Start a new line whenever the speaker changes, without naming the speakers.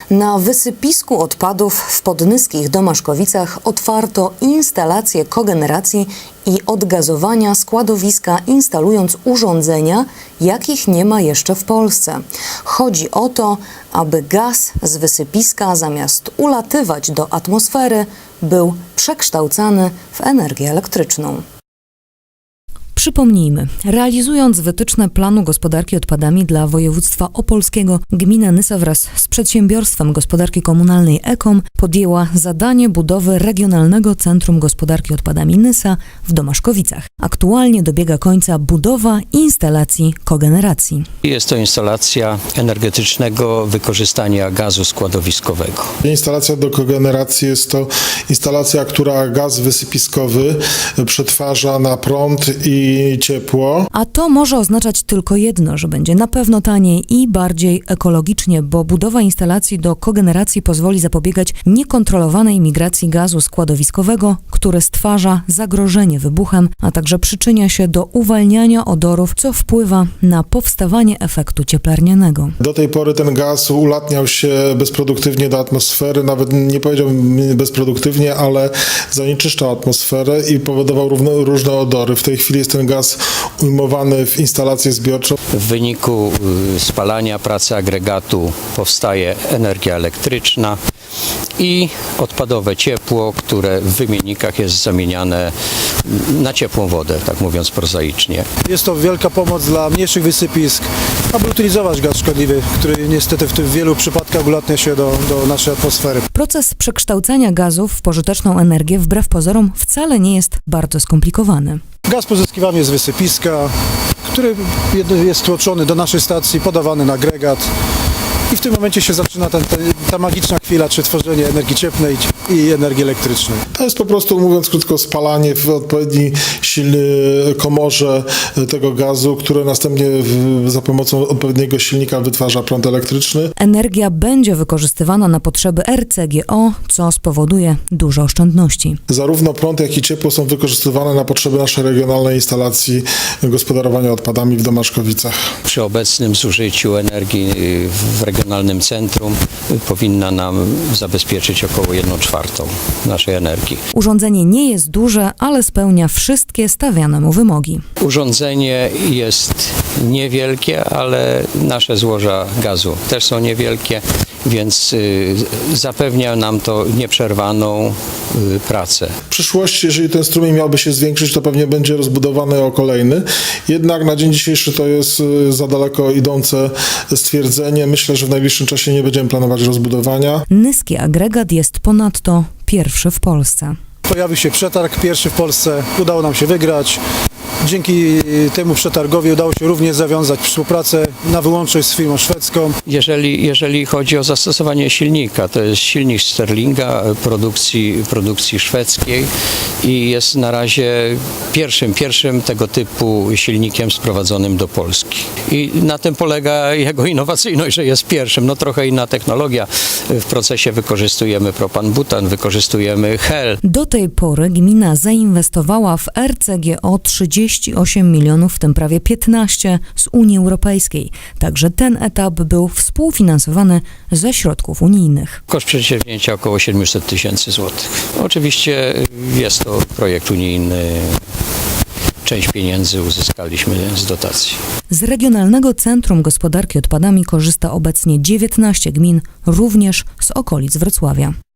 Na wysypisku odpadów w Podnyskich Domaszkowicach otwarto instalację kogeneracji i odgazowania składowiska, instalując urządzenia, jakich nie ma jeszcze w Polsce. Chodzi o to, aby gaz z wysypiska zamiast ulatywać do atmosfery, był przekształcany w energię elektryczną. Przypomnijmy, realizując wytyczne planu gospodarki odpadami dla województwa opolskiego, gmina Nysa wraz z przedsiębiorstwem gospodarki komunalnej EKOM podjęła zadanie budowy Regionalnego Centrum Gospodarki Odpadami Nysa w Domaszkowicach. Aktualnie dobiega końca budowa instalacji kogeneracji.
Jest to instalacja energetycznego wykorzystania gazu składowiskowego.
Instalacja do kogeneracji jest to instalacja, która gaz wysypiskowy przetwarza na prąd i ciepło.
A to może oznaczać tylko jedno, że będzie na pewno taniej i bardziej ekologicznie, bo budowa instalacji do kogeneracji pozwoli zapobiegać niekontrolowanej migracji gazu składowiskowego, który stwarza zagrożenie wybuchem, a także przyczynia się do uwalniania odorów, co wpływa na powstawanie efektu cieplarnianego.
Do tej pory ten gaz ulatniał się bezproduktywnie do atmosfery, nawet nie powiedziałbym bezproduktywnie, ale zanieczyszczał atmosferę i powodował różne odory. W tej chwili jest ten gaz ujmowany w instalację zbiorczą.
W wyniku spalania pracy agregatu powstaje energia elektryczna i odpadowe ciepło, które w wymiennikach jest zamieniane na ciepłą wodę, tak mówiąc prozaicznie.
Jest to wielka pomoc dla mniejszych wysypisk, aby utylizować gaz szkodliwy, który niestety w wielu przypadkach ulatnia się do naszej atmosfery.
Proces przekształcania gazów w pożyteczną energię wbrew pozorom wcale nie jest bardzo skomplikowany.
Gaz pozyskiwany z wysypiska, który jest tłoczony do naszej stacji, podawany na agregat. I w tym momencie się zaczyna ta magiczna chwila, czy tworzenie energii cieplnej i energii elektrycznej.
To jest po prostu, mówiąc krótko, spalanie w odpowiedniej komorze tego gazu, które następnie za pomocą odpowiedniego silnika wytwarza prąd elektryczny.
Energia będzie wykorzystywana na potrzeby RCGO, co spowoduje duże oszczędności.
Zarówno prąd, jak i ciepło są wykorzystywane na potrzeby naszej regionalnej instalacji gospodarowania odpadami w Domaszkowicach.
Przy obecnym zużyciu energii w Regionalnym Centrum powinna nam zabezpieczyć około 1/4 naszej energii.
Urządzenie nie jest duże, ale spełnia wszystkie stawiane mu wymogi.
Urządzenie jest niewielkie, ale nasze złoża gazu też są niewielkie, więc zapewnia nam to nieprzerwaną pracę.
W przyszłości, jeżeli ten strumień miałby się zwiększyć, to pewnie będzie rozbudowany o kolejny. Jednak na dzień dzisiejszy to jest za daleko idące stwierdzenie. Myślę, że w najbliższym czasie nie będziemy planować rozbudowania.
Nyski agregat jest ponadto pierwszy w Polsce.
Pojawił się przetarg, pierwszy w Polsce, udało nam się wygrać. Dzięki temu przetargowi udało się również zawiązać współpracę na wyłączność z firmą szwedzką.
Jeżeli chodzi o zastosowanie silnika, to jest silnik Sterlinga produkcji szwedzkiej i jest na razie pierwszym tego typu silnikiem sprowadzonym do Polski. I na tym polega jego innowacyjność, że jest pierwszym. No trochę inna technologia. W procesie wykorzystujemy propan-butan, wykorzystujemy hel.
Do tej pory gmina zainwestowała w RCGO 38 milionów, w tym prawie 15 z Unii Europejskiej. Także ten etap był współfinansowany ze środków unijnych.
Koszt przedsięwzięcia około 700 tysięcy złotych. Oczywiście jest to projekt unijny. Część pieniędzy uzyskaliśmy z dotacji.
Z Regionalnego Centrum Gospodarki Odpadami korzysta obecnie 19 gmin, również z okolic Wrocławia.